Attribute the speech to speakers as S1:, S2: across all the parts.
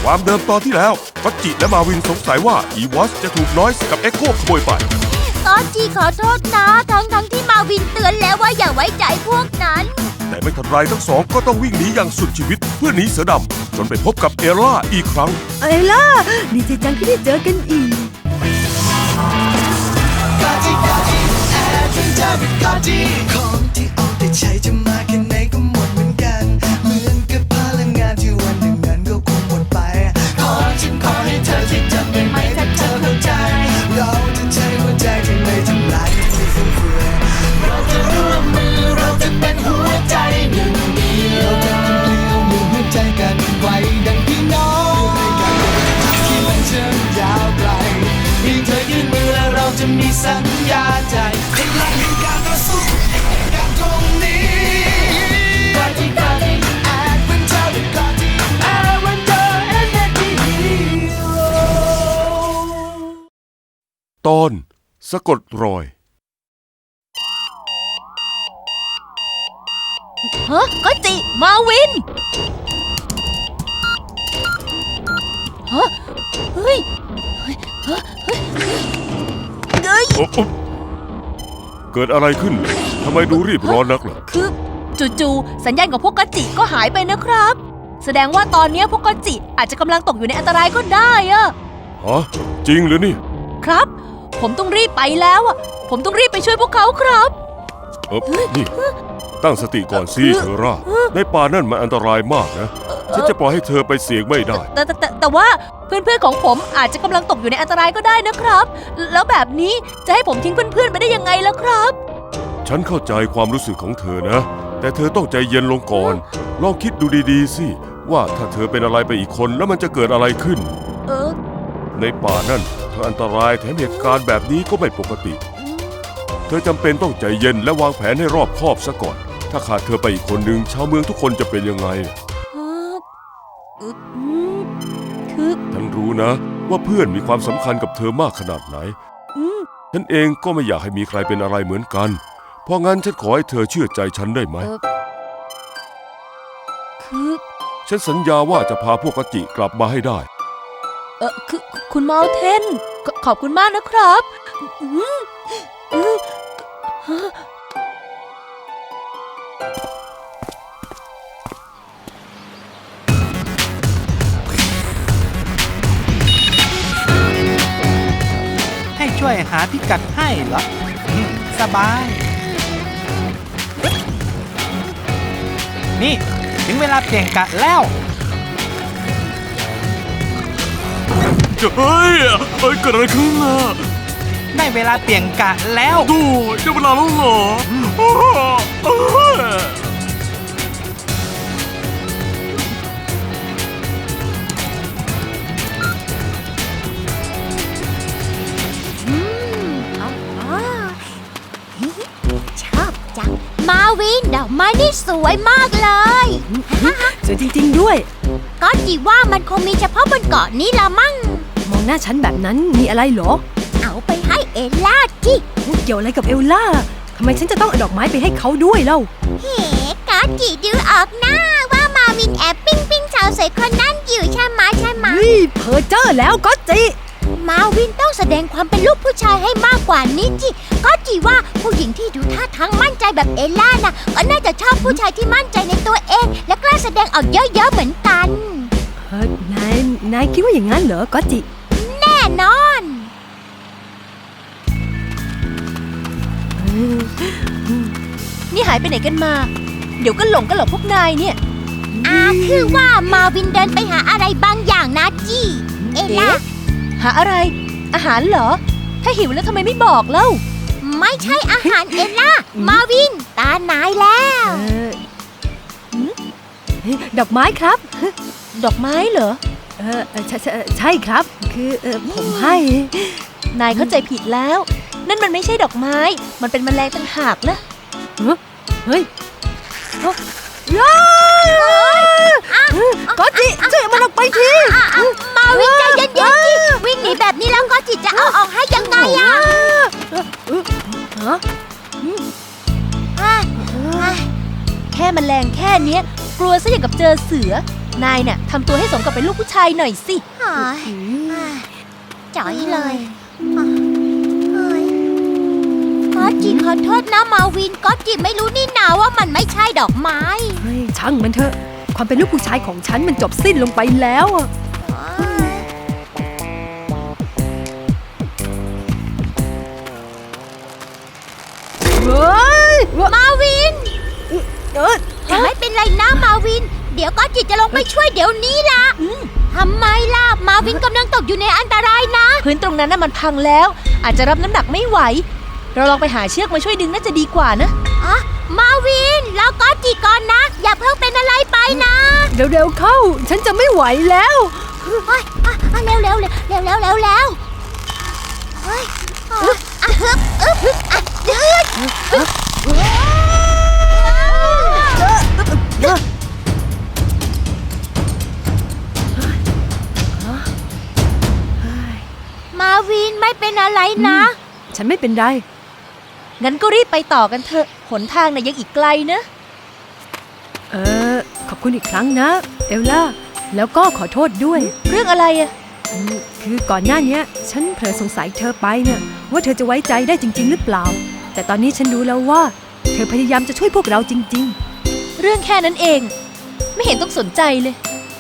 S1: ความเดิมตอนที่แล้วก็จิและมาวินสงสัยว่าอีวอสจะถูกนอยส์กับเอ็กโคขโมยไป
S2: ก็จิขอโทษนะทั้งที่มาวินเตือนแล้วว่าอย่าไว้ใจพวกนั้น
S1: แต่ไม่ทันไรทั้งสองก็ต้องวิ่งหนีอย่างสุดชีวิตเพื่อหนีเสือดำจนไปพบกับเอล่าอีกครั้ง
S3: เอล่าดีใจจังที่ได้เจอกันอีก
S4: ของที่เอาแต่ใช้จะมาแค่ไหนก็หมดเหมือนกันเหมือนกับพลังงานที่วันหนึ่งนั้นก็คงหมดไปฉันขอให้เธอที่จำได้ไหมถ้าเธอเข้าใจเราจะใช้หัวใจที่ไม่ทำลายไม่ฟุ่มเฟือยเราจะร่วมมือเราจะเป็นหัวใจหนึ่งเดียวเราจะเป็นเกลียวหนึ่งหัวใจกันไว้ดังพี่น้องที่มันเชื่อมยาวไกลเพียงเธอยื่นมือและเราจะมีสัญญาใจพลังแห่งการต่อสู้การตรงนี้กอดที่แอดเวนเจอร์กอดที่แอดเวนเจอร์เอ็นเอ็นดี
S1: ตอนสะกดรอย
S2: ก็จิมาวินเฮ้ย
S1: เกิดอะไรขึ้นทำไมดูรีบร้อนนักล่ะ
S2: คือจู่ๆสัญญาณของพวกกจิก็หายไปนะครับแสดงว่าตอนนี้พวกกจิอาจจะกำลังตกอยู่ในอันตรายก็ได้อะ
S1: ฮะจริงหรือนี่
S2: ครับผมต้องรีบไปแล้วอะผมต้องรีบไปช่วยพวกเขาครับ
S1: นี่ตั้งสติก่อนสิเธอร่าในป่านั่นมันอันตรายมากนะฉันจะปล่อยให้เธอไปเสี่ยงไม่ได้
S2: แต่ว่าเพื่อนๆของผมอาจจะกำลังตกอยู่ในอันตรายก็ได้นะครับแล้วแบบนี้จะให้ผมทิ้งเพื่อนๆไปได้ยังไงล่ะครับ
S1: ฉันเข้าใจความรู้สึกของเธอนะแต่เธอต้องใจเย็นลงก่อนลองคิดดูดีๆสิว่าถ้าเธอเป็นอะไรไปอีกคนแล้วมันจะเกิดอะไรขึ้นในป่านั่นเธออันตรายแถมเหตุการณ์แบบนี้ก็ไม่ปกติเธอจำเป็นต้องใจเย็นและวางแผนให้รอบคอบซะก่อนถ้าขาดเธอไปอีกคนหนึ่งชาวเมืองทุกคนจะเป็นยังไงฉันรู้นะว่าเพื่อนมีความสำคัญกับเธอมากขนาดไหนฉันเองก็ไม่อยากให้มีใครเป็นอะไรเหมือนกันเพราะงั้นฉันขอให้เธอเชื่อใจฉันได้ไหมฉันสัญญาว่าจะพาพวกกจิกลับมาให้ได้
S2: คือคุณเมาเทนขอบคุณมากนะครับ
S5: ให้ช่วยหาพิกัดให้เหรอสบายนี่ถึงเวลาเปลี่ยนกะแล้ว
S1: เฮ้ยเกิดอะไรขึ้นล่ะ
S5: ได้เวลาเปลี่ยนกะแล้ว
S1: ดูได้เวลาแล้วเหรอ
S2: ชอบจังมาวินดอกไม้นี่สวยมากเลย
S3: สวยจริงๆด้วย
S2: ก็จิว่ามันคงมีเฉพาะบนเกาะนี้ละมั่ง
S3: มองหน้าฉันแบบนั้นมีอะไรเหรอ
S2: เอาไปให้เอล่าจิ
S3: เกี่ยวอะไรกับเอลล่าทำไมฉันจะต้องเอาดอกไม้ไปให้เขาด้วยเล่า
S2: เฮ้ก็จิดูออกหน้าว่ามาวินแอบปิ้งสาวสวยคนนั้นอยู่ใช่ไหม
S3: เพ้อเจ้อแล้วก็จิ
S2: มาวินต้องแสดงความเป็นลูกผู้ชายให้มากกว่านี้จิก็จิว่าผู้หญิงที่ดูท่าทางมั่นใจแบบเอล่าน่ะก็น่าจะชอบผู้ชายที่มั่นใจในตัวเองและกล้าแสดงออกเยอะๆเหมือนกัน
S3: นายคิดว่าอย่างนั้นเหรอก็จิ
S2: แน่นอนนี่หายไปไหนกันมาเดี๋ยวก็หลงพวกนายเนี่ยคือว่ามาวินเดินไปหาอะไรบางอย่างนะจิเอล่าหาอะไรอาหารเหรอถ้าหิวแล้วทำไมไม่บอกเล่าไม่ใช่อาหารเอล่ามาวินตานายแล้ว
S3: ดอกไม้ครับ
S2: ดอกไม้เหรอ
S3: ใช่ครับคือผมให้
S2: นายเข้าใจผิดแล้วนั่นมันไม่ใช่ดอกไม้มันเป็นแมลงต่างหากนะ
S3: เฮ้ยก็จิช่วยมันออกไปที
S2: มาวิ่งใจเย็นๆจิวิ่งหนีแบบนี้แล้วก็จิจะเอาออกให้ยังไงแค่แมลงแค่นี้กลัวซะอย่างกับเจอเสือนายน่ะทำตัวให้สมกับเป็นลูกผู้ชายหน่อยสิจ๋อยเลยก็จิขอโทษนะมาวินก็จิไม่รู้นี่นาว่ามันไม่ใช่ดอกไม้
S3: เฮ้ยช่างมันเถอะ ความเป็นลูกผู้ชายของฉันมันจบสิ้นลงไปแล้วอะเฮ้ย
S2: มาวินไม่เป็นไรนะมาวิน เดี๋ยวก็จิจะลงไปช่วยเดี๋ยวนี้ล่ะทำไมล่ะมาวินกำลังตกอยู่ในอันตรายนะพื้นตรงนั้นน่ะมันพังแล้ว อาจจะรับน้ำหนักไม่ไหว เราลองไปหาเชือกมาช่วยดึงน่าจะดีกว่านะมาวินแล้วก็จิก่อนนะ อย่าเพิ่งเป็นอะไรไปนะ
S3: เร็วๆเข้า ฉันจะไม่ไหวแล้ว
S2: เร็วมาวินไม่เป็นอะไรนะ
S3: ฉันไม่เป็นไร
S2: งั้นก็รีบไปต่อกันเถอะหนทางน่ะยังอีกไกลนะ
S3: ขอบคุณอีกครั้งนะ เอลล่า แล้วก็ขอโทษด้วย
S2: เรื่องอะไรอะ
S3: คือก่อนหน้านี้ฉันเผลอสงสัยเธอไปเนี่ยว่าเธอจะไว้ใจได้จริงๆหรือเปล่า แต่ตอนนี้ฉันรู้แล้วว่าเธอพยายามจะช่วยพวกเราจริง
S2: เรื่องแค่นั้นเอง ไม่เห็นต้องสนใจเลย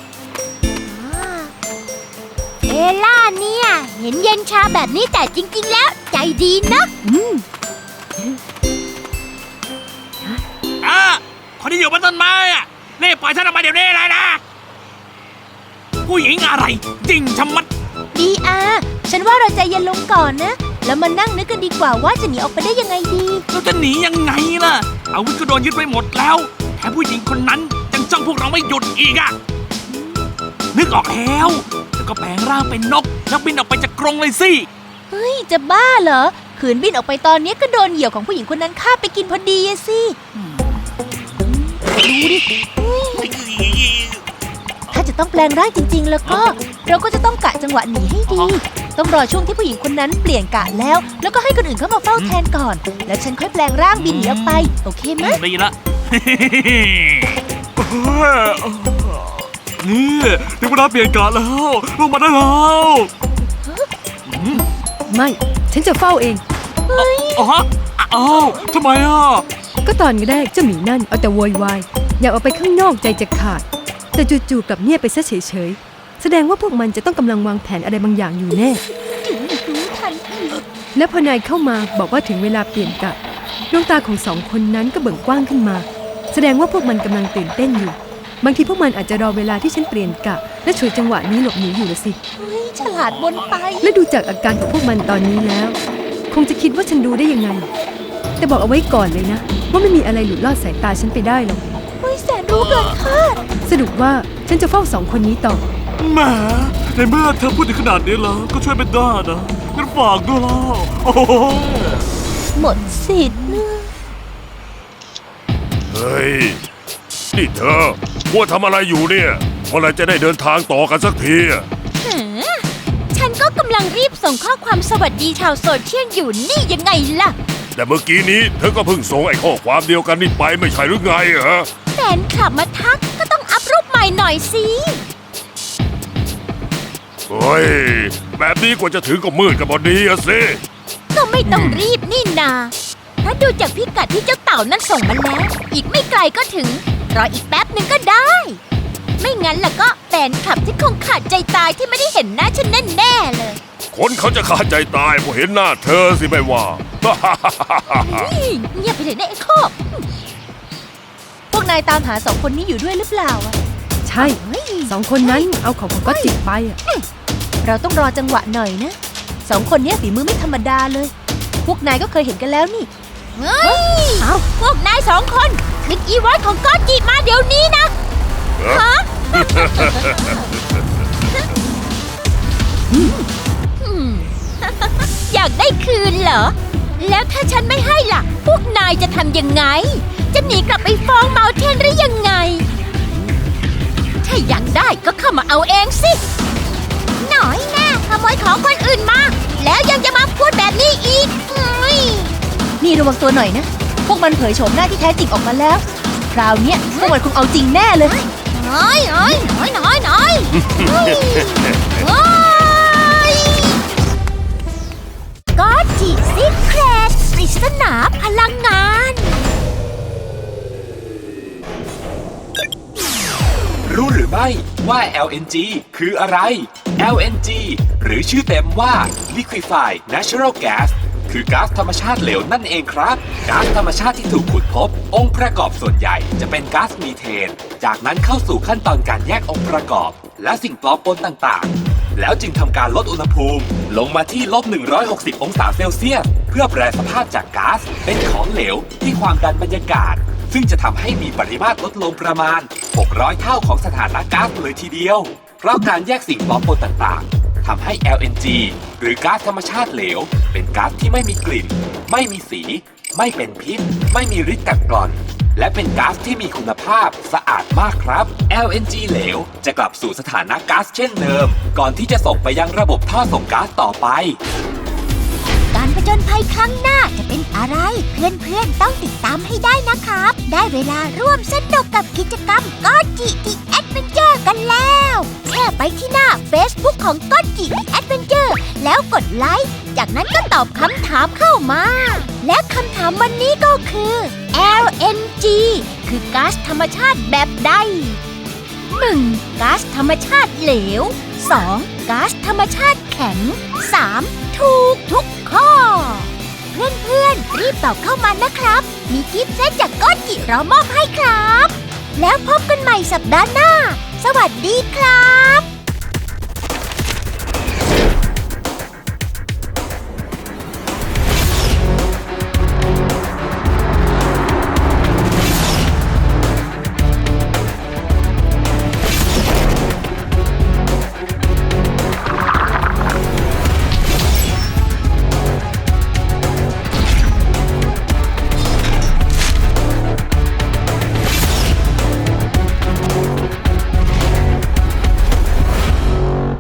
S2: เอล่าเนี่ย เห็นเย็นชาแบบนี้แต่จริงๆแล้วใจดีนะ
S5: คนที่อยู่บนต้นไม้อะนี่ปล่อยฉันออกมาเดี๋ยวนี้เลยนะ ผู้หญิงอะไรจริงชะมัด
S2: ดีอาฉันว่าเราใจเย็นลงก่อนนะ แล้วมานั่งนึกกันดีกว่าว่าจะหนีออกไปได้ยังไงดี
S5: เราจะหนียังไงล่ะ อาวุธก็โดนยึดไปหมดแล้วแถมผู้หญิงคนนั้นยังจ้องพวกเราไม่หยุดอีกอะนึกออกแล้วแล้วก็แปลงร่างเป็นนกแล้วบินออกไปจากกรงเลยสิ
S2: เฮ้ย จะบ้าเหรอ ขืนบินออกไปตอนนี้ก็โดนเหยี่ยวของผู้หญิงคนนั้นฆ่าไปกินพอดีอะสิดูดิ ถ้าจะต้องแปลงร่างจริงๆ แล้วก็เราก็จะต้องกะจังหวะหนีให้ดี ต้องรอช่วงที่ผู้หญิงคนนั้นเปลี่ยนกะแล้วก็ให้คนอื่นเข้ามาเฝ้าแทนก่อน แล้วฉันค่อยแปลงร่างบินหนีออกไป โอเคไหม
S5: ดีละ นี่ถึงเวลาเปลี่ยนกะแล้วลงมาได้แล้ว
S3: ๆ ไม่ ฉันจะเฝ้าเอง
S5: อ๋อฮะอ้าวทำไมอ่ะ
S3: ก็ตอนแรกเจ้าหมีนั่นเอาแต่โวยวายอยากออกไปข้างนอกใจจะขาด แต่จู่ๆกลับเงียบไปซะเฉยๆแสดงว่าพวกมันจะต้องกำลังวางแผนอะไรบางอย่างอยู่แน่ และพอนายเข้ามาบอกว่าถึงเวลาเปลี่ยนกะดวงตาของสองคนนั้นก็เบิ่งกว้างขึ้นมา แสดงว่าพวกมันกำลังตื่นเต้นอยู่ บางทีพวกมันอาจจะรอเวลาที่ฉันเปลี่ยนกะและฉวยจังหวะนี้หลบหนีอยู่ละสิ
S2: เฮ้ย ฉลาดบนไป
S3: และดูจากอาการของพวกมันตอนนี้แล้ว คงจะคิดว่าฉันรู้ได้ยังไง แต่บอกเอาไว้ก่อนเลยนะ ว่าไม่มีอะไรหลุดลอดสายตาฉันไปได้หรอก
S2: เฮ้ย แสนรู้เกินคาด
S3: สรุปว่าฉันจะเฝ้าสองคนนี้ต่อ
S5: แหมในเมื่อเธอพูดถึงขนาดนี้แล้วก็ช่วยเป็นได้นะงั้นฝากด้วยแล้วโอ้โห
S2: หมดสิทธิ์นะ
S1: เฮ้ย นี่เธอมัวทำอะไรอยู่เนี่ยเมื่อไหรจะได้เดินทางต่อกันสักทีอะ
S2: ฉันก็กำลังรีบส่งข้อความสวัสดีชาวโซเชียลอยู่นี่ยังไงล่ะ
S1: แต่เมื่อกี้นี้เธอก็เพิ่งส่งไอ้ข้อความเดียวกันนี่ไปไม่ใช่หรือไงฮะ
S2: แฟนคลับมาทักก็ต้องอัพรูปใหม่หน่อยสิ
S1: เฮ้ย แบบนี้กว่าจะถึงก็มืดกันพอดีอะสิ
S2: ก็ไม่ต้องรีบนี่นาถ้าดูจากพิกัดที่เจ้าเต่านั่นส่งมาแล้ว อีกไม่ไกลก็ถึง รออีกแป๊บหนึ่งก็ได้ ไม่งั้นล่ะก็แฟนคลับที่คงขาดใจตายที่ไม่ได้เห็นหน้าฉันแน่ๆเลย
S1: คนเขาจะขาดใจตายเพราะเห็นหน้าเธอสิไม่ว่า
S2: เงียบไปเลยนะไอ้คอกพวกนายตามหาสองคนนี้อยู่ด้วยหรือเปล่าอะ
S3: ใช่สองคนนั้นเอาของก็จิบไปอะ
S2: เราต้องรอจังหวะหน่อยนะสองคนนี้ฝีมือไม่ธรรมดาเลย พวกนายก็เคยเห็นกันแล้วนี่เฮ้ยพวกนายสองคนคลิกอีวอยของก็จิมาเดี๋ยวนี้นะฮะ อยากได้คืนเหรอ แล้วถ้าฉันไม่ให้ล่ะ พวกนายจะทำยังไง จะหนีกลับไปฟ้องเมาเทนหรือยังไง ถ้าอยากได้ก็เข้ามาเอาเองสิ หน่อยแน่ขโมยของคนอื่นมา แล้วยังจะมาพูดแบบนี้อีกนี่ระวังตัวหน่อยนะ พวกมันเผยโฉมหน้าที่แท้จริงออกมาแล้ว คราวเนี้ยพวกมันคงเอาจริงแน่เลยน้อยเฮ้ยโอ้ยก็จิซิเครตปริศนาพลังงาน
S6: รู้หรือไม่ว่า LNG คืออะไร LNG หรือชื่อเต็มว่า Liquefied Natural Gas คือก๊าซธรรมชาติเหลวนั่นเองครับก๊าซธรรมชาติที่ถูกขุดพบองค์ประกอบส่วนใหญ่จะเป็นก๊าซมีเทนจากนั้นเข้าสู่ขั้นตอนการแยกองค์ประกอบและสิ่งปลอมปนต่างๆแล้วจึงทำการลดอุณหภูมิลงมาที่-160 องศาเซลเซียสเพื่อแปรสภาพจากก๊าซเป็นของเหลวที่ความดันบรรยากาศซึ่งจะทำให้มีปริมาตรลดลงประมาณ600 เท่าของสถานะก๊าซเลยทีเดียวเพราะการแยกสิ่งปลอมปนต่างๆทำให้ LNG หรือก๊าซธรรมชาติเหลวเป็นก๊าซที่ไม่มีกลิ่นไม่มีสีไม่เป็นพิษไม่มีฤทธิ์กัดกร่อนและเป็นก๊าซที่มีคุณภาพสะอาดมากครับ LNG เหลวจะกลับสู่สถานะก๊าซเช่นเดิมก่อนที่จะส่งไปยังระบบท่อส่งก๊าซต่อไป
S2: การผจญภัยครั้งหน้าจะเป็นอะไร เพื่อนๆต้องติดตามให้ได้นะครับได้เวลาร่วมสนุกกับกิจกรรมก็จิThe Adventure กันแล้วแค่ไปที่หน้า Facebook ของก็จิThe Adventure แล้วกดไลค์จากนั้นก็ตอบคำถามเข้ามาและคำถามวันนี้ก็คือ LNG คือก๊าซธรรมชาติแบบใด 1. ก๊าซธรรมชาติเหลว 2. ก๊าซธรรมชาติแข็ง 3. ถูกทุกข้อ เพื่อนๆรีบตอบเข้ามานะครับมีกิฟต์เซตจากก็จิรอมอบให้ครับแล้วพบกันใหม่สัปดาห์หน้าสวัสดีครับ